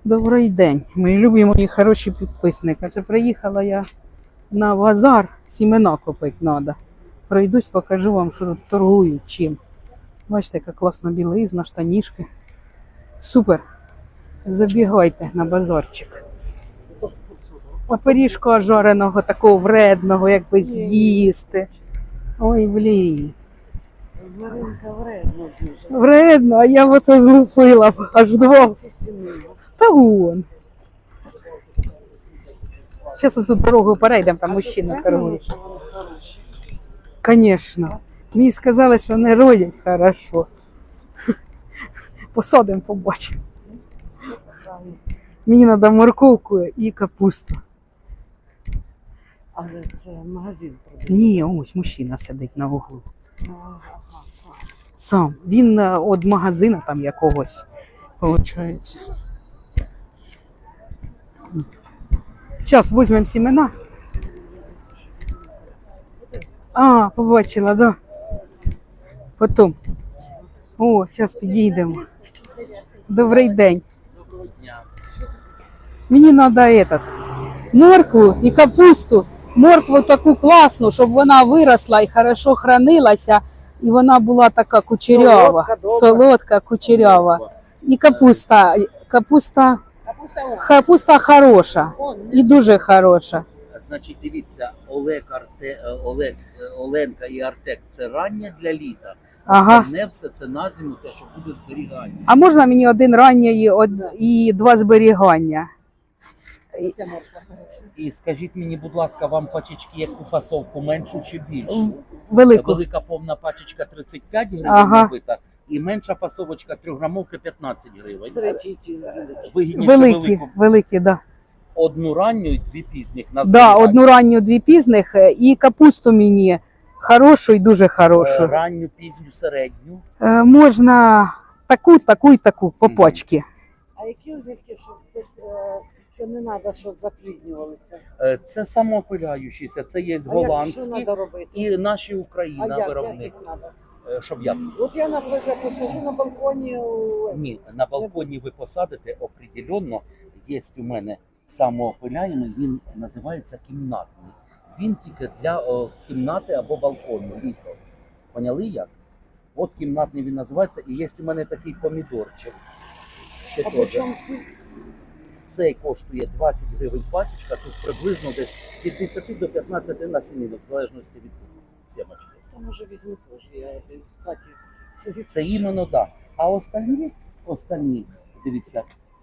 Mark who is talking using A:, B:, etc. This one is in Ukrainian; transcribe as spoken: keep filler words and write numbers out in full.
A: Добрий день, мої любі мої хороші підписники. Це приїхала я на базар, сімена купити треба. Пройдусь, покажу вам, що тут торгують чим. Бачите, яка класна білизна, штанішки. Супер. Забігайте на базарчик. А пиріжка жареного, такого вредного, як би з'їсти. Ой, блін.
B: Маринка вредно дуже.
A: Вредно, а я б оце злупила б аж два. Та вон. Зараз тут дорогу перейдемо, там мужчина торгує. Звісно. Мені сказали, що не родять хорошо. Посадимо, побачимо. Мені треба морковку і капусту.
B: Але це магазин продає.
A: Ні, ось мужчина сидить на углу.
B: Ага, сам.
A: Сам. Він від магазину там якогось, виходить. Зараз візьмемо сімена. А, побачила, да. Потім. О, зараз підійдемо. Добрий день. Мені треба этот, моркву і капусту. Моркву таку класну, щоб вона виросла і хорошо хранилася. І вона була така кучерява.
B: Солодка,
A: Солодка, кучерява. І капуста. Капуста,
B: Капуста
A: капуста хороша.
B: он.
A: І дуже хороша.
C: Значить, дивіться, Олег, Арте, Олег, Оленка і Артек – це рання для літа.
A: Ага.
C: Остальне все це на зиму, те, що буде зберігання.
A: А можна мені один ранньої од... і два зберігання?
B: Ця морква хороша.
C: І скажіть мені, будь ласка, вам пачечки яку фасовку, меншу чи більшу?
A: Велику.
C: Велика повна пачечка тридцять п'ять гривень
A: Ага.
C: набита, і менша фасовочка трьохграмовка п'ятнадцять гривень.
B: Третій ті.
C: Вигідніше
A: Великі,
C: велику.
A: великі, да.
C: Одну ранню і дві пізніх на
A: Да,
C: зберігання.
A: одну ранню, дві пізних і капусту мені хорошу і дуже
C: Е,
A: хорошу.
C: Ранню, пізню, середню.
A: Е, можна таку, таку і таку по
C: Мгм.
A: пачці.
B: А які огірки, щоб десь, е, що не треба, щоб запліднювалися?
C: Е, Це самоопиляючіся, це є
B: А як, що
C: голландські
B: треба робити?
C: і наші
B: А
C: Україна
B: як, як
C: виробник.
B: їх треба?
C: Е, Щоб як?
B: От я, наприклад, посиджу на балконі. у-
C: Ні, на балконі ви посадите определенно. Є у мене самоопиляємий, він називається кімнатний. Він тільки для о, кімнати або балкону, літо. Поняли як? От кімнатний він називається, і є у мене такий помідорчик. Ще
B: А
C: теж.
B: по чому ці?
C: Цей коштує двадцять гривень пачечка, тут приблизно десь від десяти до п'ятнадцяти насінинок, в залежності від сімочки.
B: Та може візьму теж, я один в хаті сидів.
C: Це іменно так. А останні, останні, дивіться,